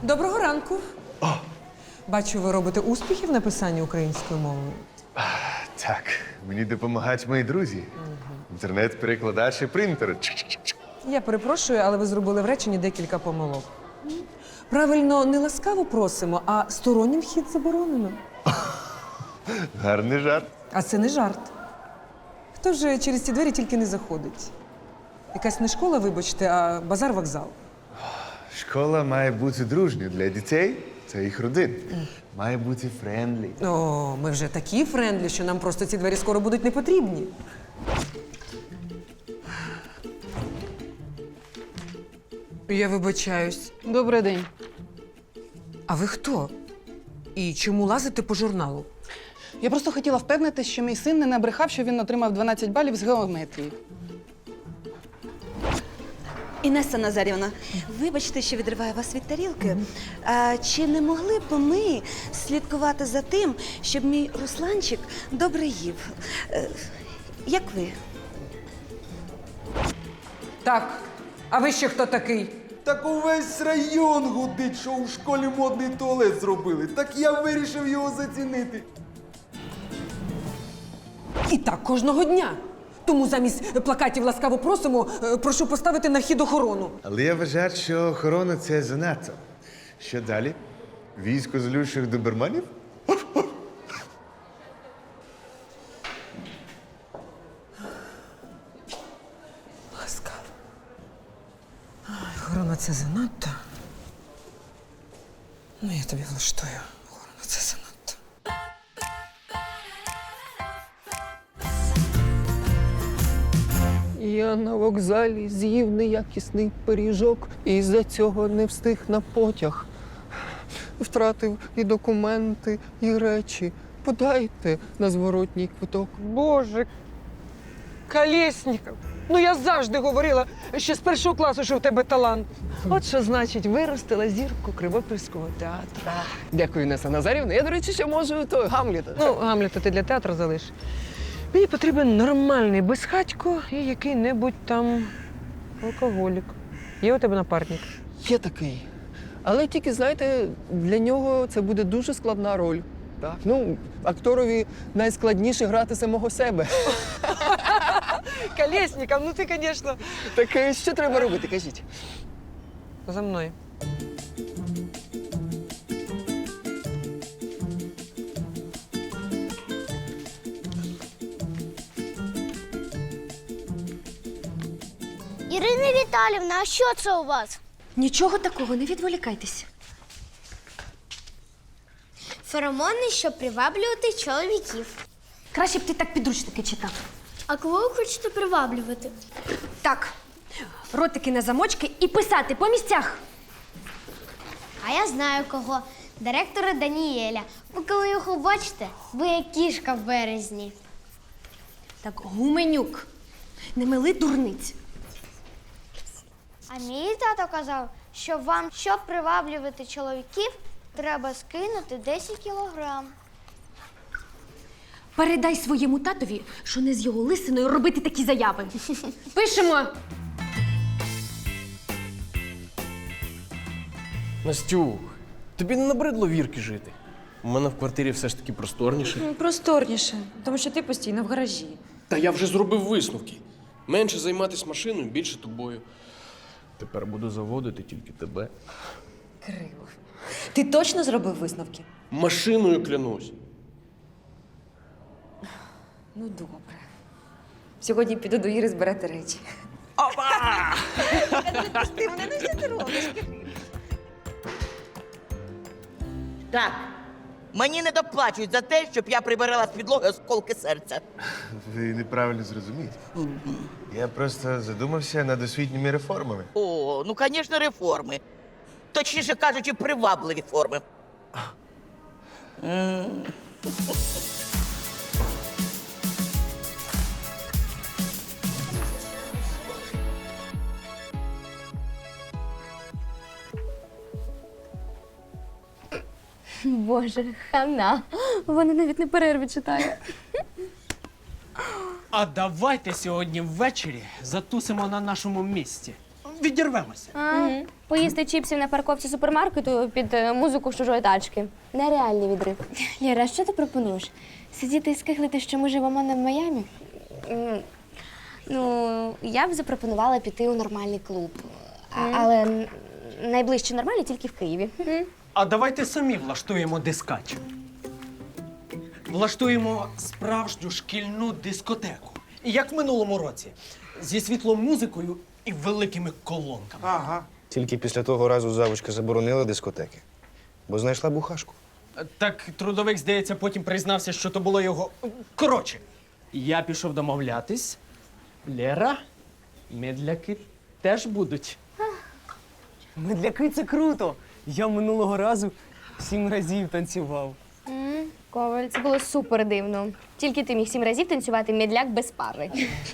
Доброго ранку. Бачу, ви робите успіхи в написанні українською мовою. Так, мені допомагають мої друзі. Інтернет-перекладач і принтер. Я перепрошую, але ви зробили в реченні декілька помилок. Правильно, не ласкаво просимо, а стороннім вхід заборонено. Гарний жарт. А це не жарт. Хто ж через ці двері тільки не заходить? Якась не школа, вибачте, а базар-вокзал. Школа має бути дружньою для дітей та їх родин. Має бути френдлі. О, ми вже такі френдлі, що нам просто ці двері скоро будуть не потрібні. Я вибачаюсь. Добрий день. А ви хто? І чому лазите по журналу? Я просто хотіла впевнитись, що мій син не набрехав, що він отримав 12 балів з геометрії. Інеса Назарівна, вибачте, що відриваю вас від тарілки. А чи не могли б ми слідкувати за тим, щоб мій Русланчик добре їв? Як ви? Так, а ви ще хто такий? Так увесь район гудить, що у школі модний туалет зробили. Так я вирішив його зацінити. І так кожного дня. Тому замість плакатів ласкаво просимо, прошу поставити на вхід охорону. Але я вважаю, що охорона – це занадто. Що далі? Військо злющих доберманів? Ласкаво. Охорона – це занадто. Ну, я тобі влаштую. Охорона – це занадто. Я на вокзалі з'їв неякісний пиріжок і із-за цього не встиг на потяг. Втратив і документи, і речі. Подайте на зворотній квиток. Боже, Колєсніков, ну я завжди говорила, ще з першого класу, що в тебе талант. От що значить виростила зірку Кривопільського театру. Дякую, Інеса Назарівна. Я, до речі, ще можу той Гамліта. Ну, Гамлета ти для театру залиш. Мені потрібен нормальний безхатько і який-небудь там алкоголік. Є у тебе напарник? Є такий. Але тільки, знаєте, для нього це буде дуже складна роль. Так. Ну, акторові найскладніше грати самого себе. Колєсніков, ну ти, звісно. Так що треба робити, кажіть? За мною. Ірина Віталівна, а що це у вас? Нічого такого, не відволікайтеся. Феромони, щоб приваблювати чоловіків. Краще б ти так підручники читав. А кого ви хочете приваблювати? Так, ротики на замочки і писати по місцях. А я знаю кого. Директора Даніеля. Ви коли його бачите, ви як кішка в березні. Так, Гуменюк, не мили дурниць. А мій тато казав, що вам, щоб приваблювати чоловіків, треба скинути 10 кілограм. Передай своєму татові, що не з його лисиною робити такі заяви. Пишемо. Настюх, тобі не набридло вірки жити? У мене в квартирі все ж таки просторніше. Просторніше, тому що ти постійно в гаражі. Та я вже зробив висновки. Менше займатися машиною, більше тобою. Тепер буду заводити тільки тебе. Криво. Ти точно зробив висновки? Машиною клянусь. Ну, добре. Сьогодні піду до Іри збирати речі. Так, мені не доплачують за те, щоб я прибирала з підлоги осколки серця. Ви неправильно зрозумієте. Я просто задумався над освітніми реформами. О, ну, звісно, реформи. Точніше кажучи, привабливі форми. Боже, хана. Вона навіть не перерві читає. А давайте сьогодні ввечері затусимо на нашому місці. відірвемося. Поїсти чіпсів на парковці супермаркету під музику з чужої тачки. Нереальний відрив. Лєра, що ти пропонуєш? Сидіти і скиглити, що ми живемо не в Майамі? Ну, я б запропонувала піти у нормальний клуб. Але найближче нормальний тільки в Києві. А давайте самі влаштуємо дискач. Влаштуємо справжню шкільну дискотеку. І як в минулому році. Зі світлом музикою і великими колонками. Ага. Тільки після того разу завучка заборонила дискотеки, бо знайшла бухашку. Так трудовик, здається, потім признався, що то було його. Коротше, я пішов домовлятись. Лєра, медляки теж будуть. Медляки – це круто. Я минулого разу 7 разів танцював. Коваль, це було супер дивно. Тільки ти міг 7 разів танцювати медляк без пари.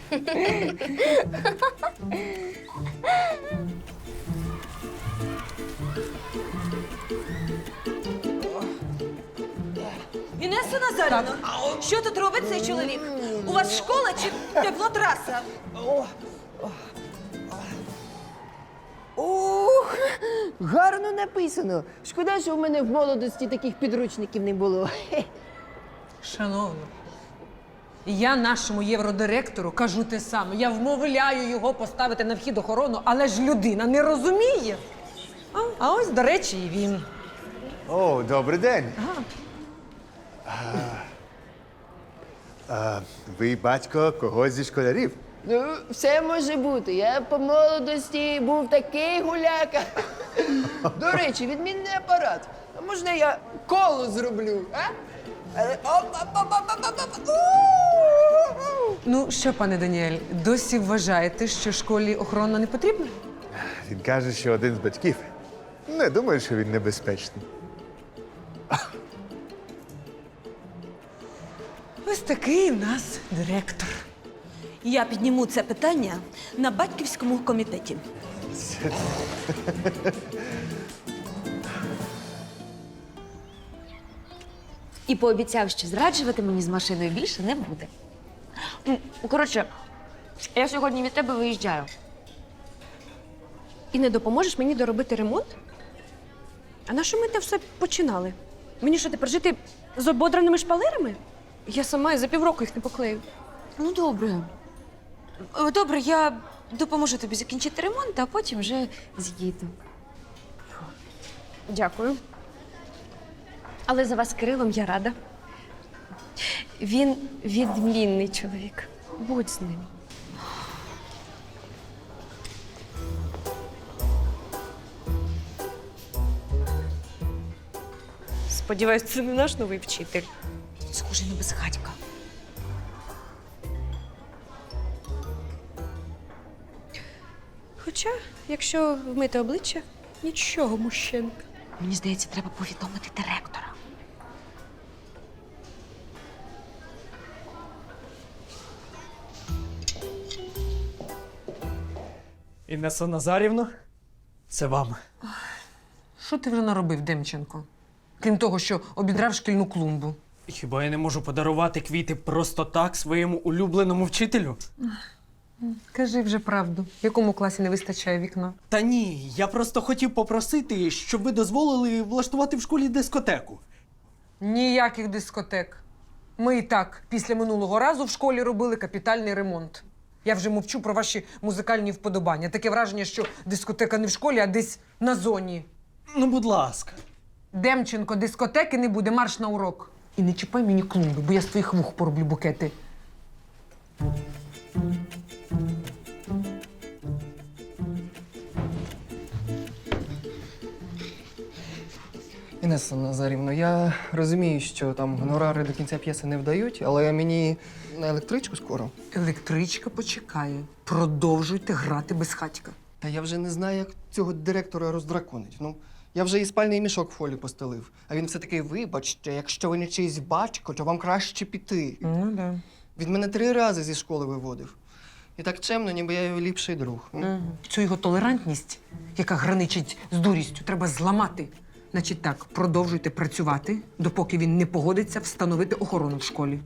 Інеса Назарівна, що тут робить цей чоловік? У вас школа чи теплотраса? Ух, гарно написано. Шкода, що в мене в молодості таких підручників не було. Шановна, я нашому євродиректору кажу те саме. Я вмовляю його поставити на вхід охорону, але ж людина не розуміє. А ось, до речі, і він. О, добрий день. Ви батько когось зі школярів? Ну, все може бути. Я по молодості був такий гуляка. До речі, відмінний апарат. А можна я коло зроблю, а? Але Ну що, пане Даніель, досі вважаєте, що школі охорона не потрібна? Він каже, що один з батьків. Не думаю, що він небезпечний. Ось такий в нас директор. Я підніму це питання на батьківському комітеті. І пообіцяв, що зраджувати мені з машиною більше не буде. Коротше, я сьогодні від тебе виїжджаю. І не допоможеш мені доробити ремонт? А на що ми те все починали? Мені що, тепер жити з ободраними шпалерами? Я сама і за півроку їх не поклею. Ну, добре. Добре, я допоможу тобі закінчити ремонт, а потім вже з'їду. Дякую. Але за вас з Кирилом я рада. Він відмінний чоловік. Будь з ним. Сподіваюсь, це не наш новий вчитель. Схожий на безхатька. Хоча, якщо вмити обличчя, нічого, мужчинка. Мені здається, треба повідомити директора. Інеса Назарівна, це вам. Що ти вже наробив, Демченко? Крім того, що обідрав шкільну клумбу. Хіба я не можу подарувати квіти просто так своєму улюбленому вчителю? Кажи вже правду. В якому класі не вистачає вікна? Та ні, я просто хотів попросити, щоб ви дозволили влаштувати в школі дискотеку. Ніяких дискотек. Ми і так після минулого разу в школі робили капітальний ремонт. Я вже мовчу про ваші музикальні вподобання. Таке враження, що дискотека не в школі, а десь на зоні. Ну, будь ласка. Демченко, дискотеки не буде, марш на урок. І не чіпай мені клумби, бо я з твоїх вух пороблю букети. Інеса Назарівна, я розумію, що там гонорари до кінця п'єси не вдають, але мені на електричку скоро. Електричка почекає. Продовжуйте грати без хатька. Та я вже не знаю, як цього директора роздраконить. Ну, я вже і спальний мішок в фолі постелив. А він все таки, вибачте, якщо ви не чийсь батько, то вам краще піти. Ну, да. Він мене 3 рази зі школи виводив. І так чемно, ніби я його ліпший друг. Цю його толерантність, яка граничить з дурістю, треба зламати. Значить так, продовжуйте працювати, допоки він не погодиться встановити охорону в школі.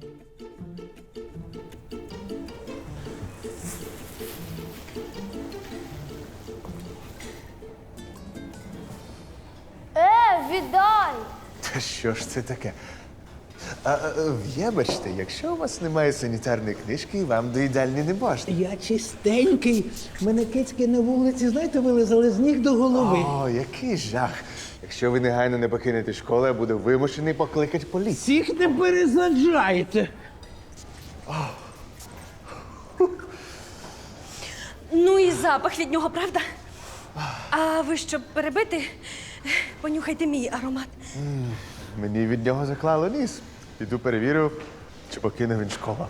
Що ж це таке? Вибачте, якщо у вас немає санітарної книжки, вам до їдальні не можна. Я чистенький. Мене кицьки на вулиці, знаєте, вилизали з ніг до голови. О, який жах. Якщо ви негайно не покинете школу, я буду вимушений покликати поліцію. Всіх не пересаджайте. Ну і запах від нього, правда? А ви щоб перебити, понюхайте мій аромат. Мені від нього заклало ніс. Піду перевірю, чи покинув він школу.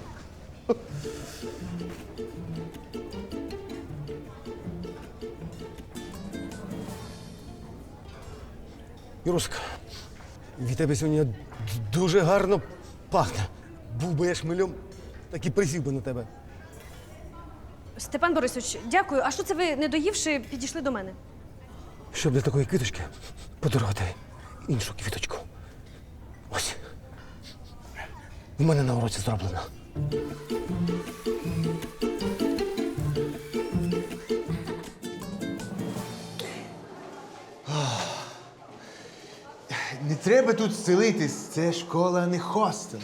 Юрусик, від тебе сьогодні дуже гарно пахне. Був би я шмельом, так і присів би на тебе. Степан Борисович, дякую. А що це ви, не доївши, підійшли до мене? Щоб для такої квіточки подарувати іншу квіточку. Ось. У мене на уроці зроблено. Не треба тут селитись, це школа, а не хостел.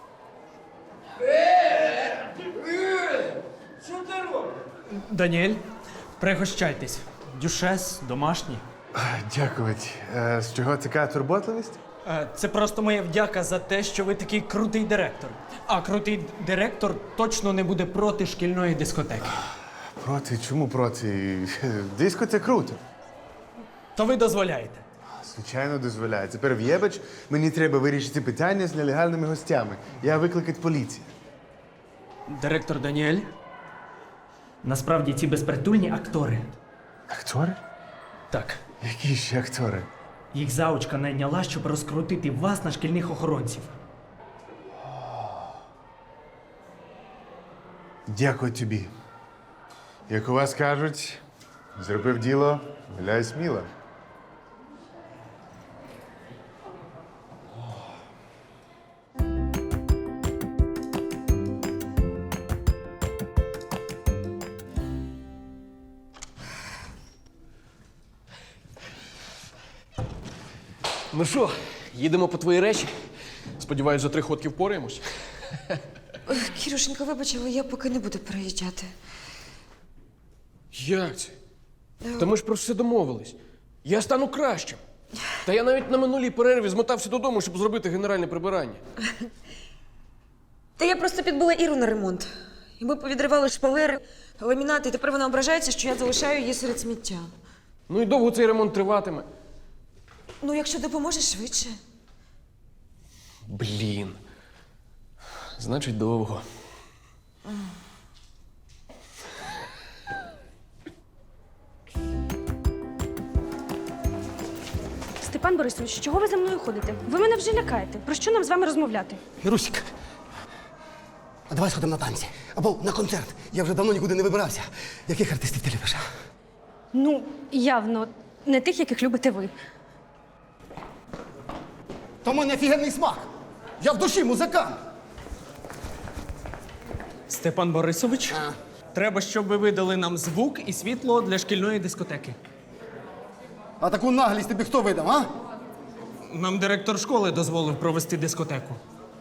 Даніель, пригощайтесь. Дюшес, домашній. Дякувати. З чого така турботливість? Це просто моя вдяка за те, що ви такий крутий директор. А крутий директор точно не буде проти шкільної дискотеки. Проти? Чому проти? Диско це круто. То ви дозволяєте. Звичайно, дозволяє. Тепер в'єбач, мені треба вирішити питання з нелегальними гостями. Я викликати поліцію. Директор Даніель. Насправді ці безпритульні актори. Актори? Так. Які ще актори? Їх заучка найняла, щоб розкрутити вас на шкільних охоронців. Дякую тобі. Як у вас кажуть, зробив діло, гуляй сміло. Ну що, їдемо по твої речі? Сподіваюсь, за 3 ходки впораємось. Кірюшенька, вибач, але я поки не буду переїжджати. Як це? Та ми ж про все домовились. Я стану кращим. Та я навіть на минулій перерві змотався додому, щоб зробити генеральне прибирання. Та я просто підбила Іру на ремонт. І ми повідривали шпалери, ламінати, і тепер вона ображається, що я залишаю її серед сміття. Ну і довго цей ремонт триватиме. Ну, якщо допоможеш швидше. Блін. Значить, довго. Степан Борисович, чого ви за мною ходите? Ви мене вже лякаєте. Про що нам з вами розмовляти? Юрусик, а давай сходимо на танці. Або на концерт. Я вже давно нікуди не вибирався. Яких артистів ти любиш? Ну, явно, не тих, яких любите ви. То в мене офігенний смак. Я в душі музикант. Степан Борисович, треба, щоб ви видали нам звук і світло для шкільної дискотеки. А таку наглість тобі хто видав, а? Нам директор школи дозволив провести дискотеку.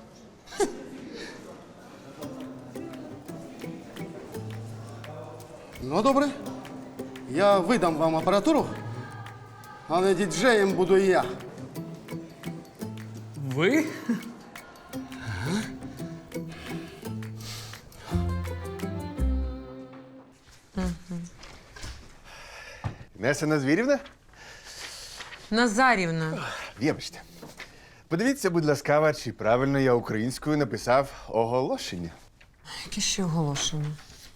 Ну, добре. Я видам вам апаратуру, але діджеєм буду я. Ви? Інеса Назвірівна? Назарівна. Вибачте. Подивіться, будь ласкава, чи правильно я українською написав оголошення. Яке ще оголошення?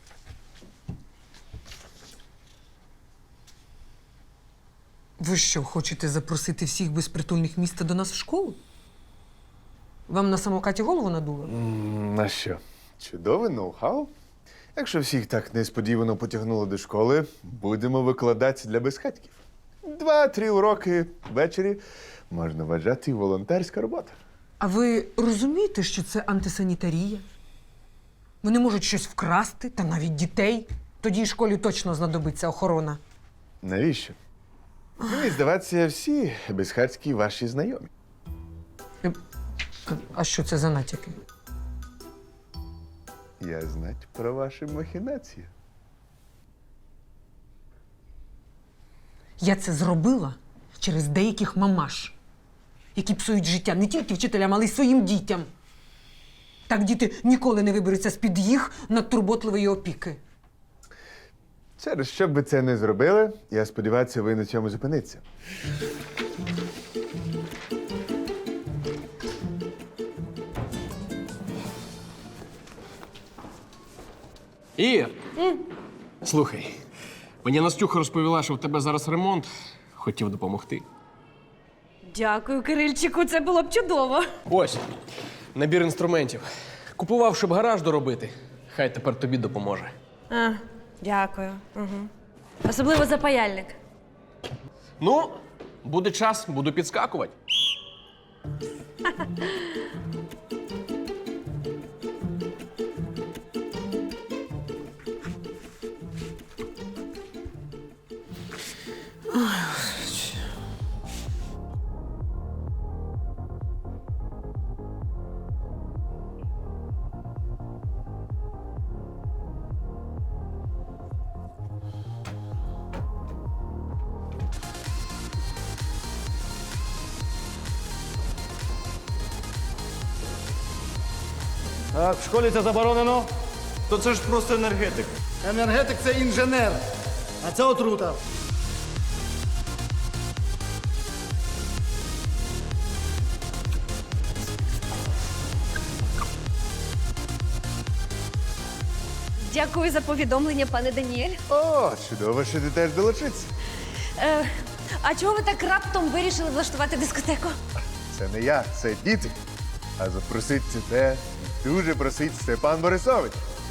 Ви що, хочете запросити всіх безпритульних міста до нас в школу? Вам на самокаті голову надуло? На що? Чудове ноу-хау. Якщо всіх так несподівано потягнуло до школи, будемо викладати для безхатьків. 2-3 уроки ввечері можна вважати волонтерська робота. А ви розумієте, що це антисанітарія? Вони можуть щось вкрасти, та навіть дітей. Тоді школі точно знадобиться охорона. Навіщо? Мені здається, всі безхатькі ваші знайомі. А що це за натяки? Я знать про ваші махінації. Я це зробила через деяких мамаш, які псують життя не тільки вчителям, але й своїм дітям. Так діти ніколи не виберуться з-під їх надтурботливої опіки. Через що б ви це не зробили, я сподіваюся, ви на цьому зупиниться. Ір, слухай, мені Настюха розповіла, що в тебе зараз ремонт. Хотів допомогти. Дякую, Кирильчику, це було б чудово. Ось, набір інструментів. Купував, щоб гараж доробити. Хай тепер тобі допоможе. А, дякую. Угу. Особливо запаяльник. Ну, буде час, буду підскакувати. Так, в школі це заборонено. То це ж просто енергетик. Енергетик це інженер, а це отрута. Дякую за повідомлення, пане Даніель. О, чудово, що ти теж долучиться. А чого ви так раптом вирішили влаштувати дискотеку? Це не я, це діти. А запросить тебе дуже просить Степан Борисович.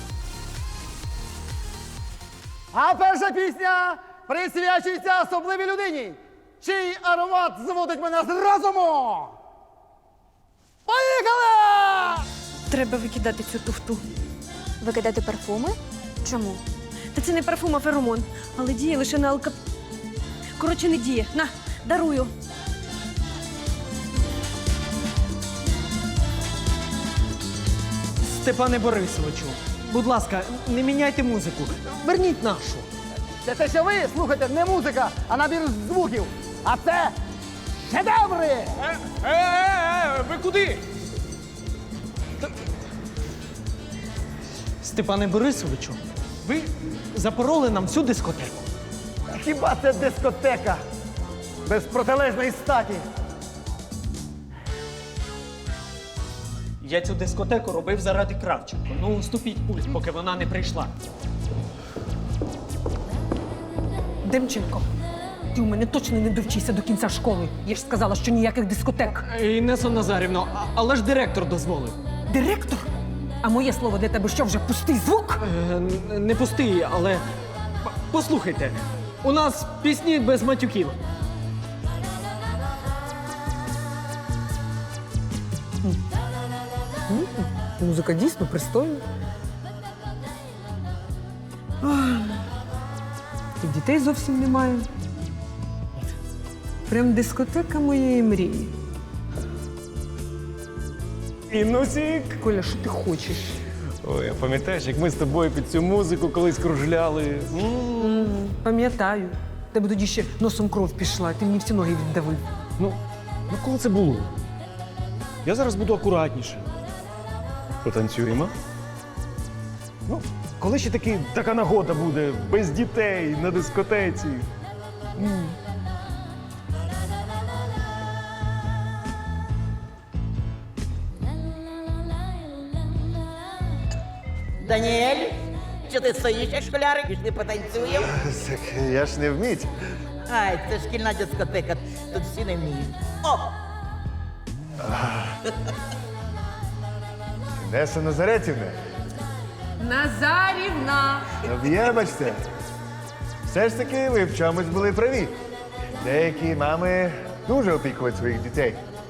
А перша пісня присвячується особливій людині, чий аромат зводить мене з розуму. Поїхали! Треба викидати цю туфту. Викидати парфуми? Чому? Та це не парфум, а феромон. Але діє лише на Коротше, не діє. На, дарую. Степане Борисовичу, будь ласка, не міняйте музику. Верніть нашу. Це те, що ви слухаєте, не музика, а набір звуків. А це шедеври! Ви куди? Степане Борисовичу, ви запороли нам всю дискотеку. Хіба це дискотека без протилежної статі? Я цю дискотеку робив заради Кравченко. Ну, уступіть пульт, поки вона не прийшла. Демченко, ти у мене точно не довчися до кінця школи. Я ж сказала, що ніяких дискотек. Інесо Назарівно, але ж директор дозволив. Директор? А моє слово для тебе що, вже пустий звук? Не пустий, але послухайте, у нас пісні без матюків. Музика дійсно пристойна. Ах, і дітей зовсім немає. Прям дискотека моєї мрії. Інусік! Коля, що ти хочеш? Ой, а пам'ятаєш, як ми з тобою під цю музику колись кружляли? Пам'ятаю. Тебе тоді ще носом кров пішла, ти мені всі ноги віддавив. Ну коли це було? Я зараз буду акуратніше. Потанцюємо? Ну, коли ще така нагода буде, без дітей, на дискотеці. Даніель, що ти стоїш, як школярик, пішли потанцюємо? Так я ж не вміть. Ай, це шкільна дискотека, тут всі не вміють. О! Інеса Назаретівна, Назарівна! вибачте. Все ж таки ви в чомусь були праві. Деякі мами дуже опікують своїх дітей.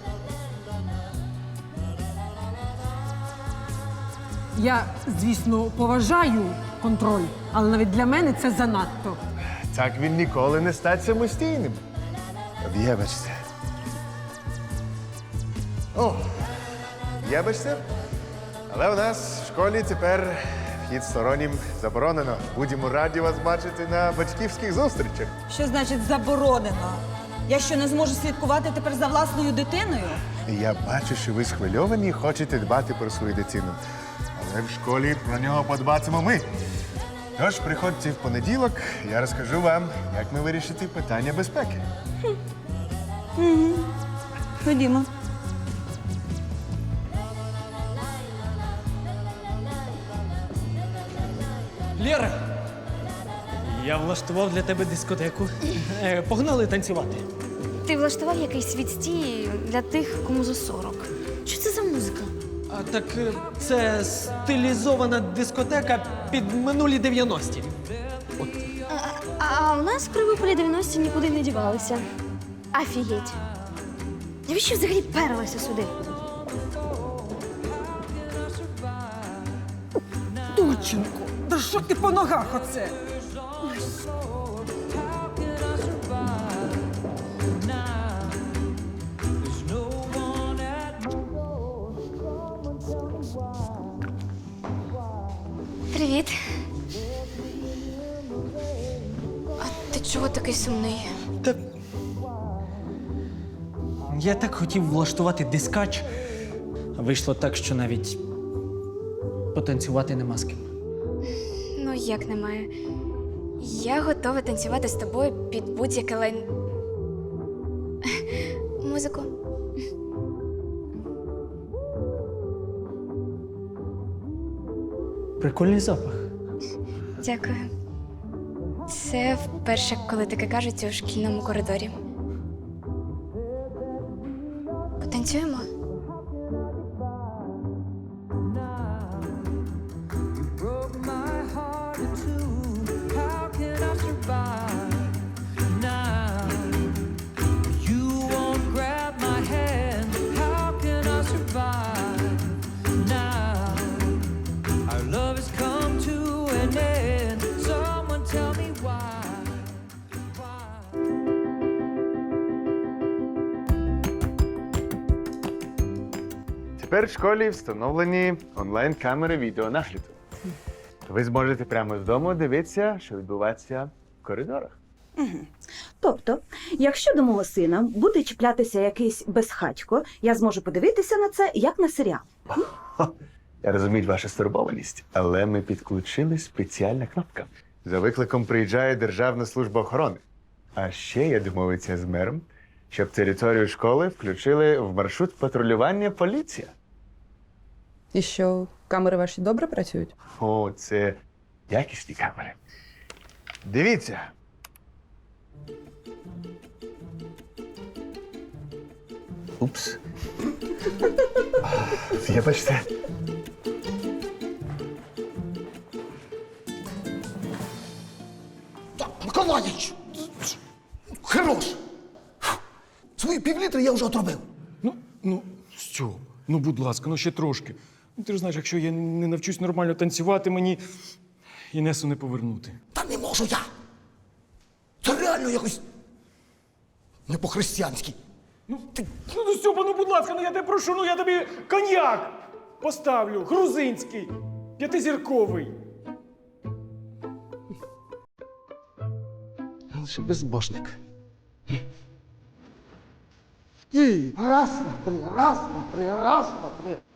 Я, звісно, поважаю контроль, але навіть для мене це занадто. Так він ніколи не стать самостійним. Вибачте. О, вибачте, але у нас в школі тепер вхід стороннім заборонено. Будемо раді вас бачити на батьківських зустрічах. Що значить заборонено? Я що, не зможу слідкувати тепер за власною дитиною? Я бачу, що ви схвильовані і хочете дбати про свою дитину. Але в школі про нього подбатимо ми. Тож приходьте в понеділок, я розкажу вам, як ми вирішити питання безпеки. Ходімо. Лєра! Я влаштував для тебе дискотеку. Погнали танцювати. Ти влаштував якийсь відстій для тих, кому за 40. Що це за музика? А так це стилізована дискотека під минулі 90-ті. А у нас в Кривополі 90-ті нікуди не дівалися. Афігеть. Навіщо взагалі перлася сюди? Дурченко, да що ти по ногах оце? Привіт. А ти чого такий сумний? Так. Я так хотів влаштувати дискач. А вийшло так, що навіть потанцювати нема з ким. Ну, як немає. Я готова танцювати з тобою під будь-яке музику. Прикольний запах. Дякую. Це вперше, коли таке кажуть у шкільному коридорі. Потанцюємо? Тепер в школі встановлені онлайн-камери відеонагляду. Ви зможете прямо з дому дивитися, що відбувається в коридорах. Тобто, якщо до мого сина буде чіплятися якийсь безхатько, я зможу подивитися на це, як на серіал. Я розумію вашу стурбованість, але ми підключили спеціальна кнопка. За викликом приїжджає Державна служба охорони. А ще я домовився з мером, щоб територію школи включили в маршрут патрулювання поліція. І що, камери ваші добре працюють? О, це якісні камери. Дивіться. Упс. Вибачте. Миколаїч! Хорош! Свої півлітри я вже отробив. Що? Ну, будь ласка, ну ще трошки. Ну, ти ж знаєш, якщо я не навчусь нормально танцювати, мені Інесу не повернути. Та не можу я! Це реально якось не по-християнськи. Ну, Стьопа, ну, будь ласка, ну я тебе прошу, ну я тобі коньяк поставлю, грузинський, 5-зірковий. Лише безбожник. І раз на три, раз на три, раз на три.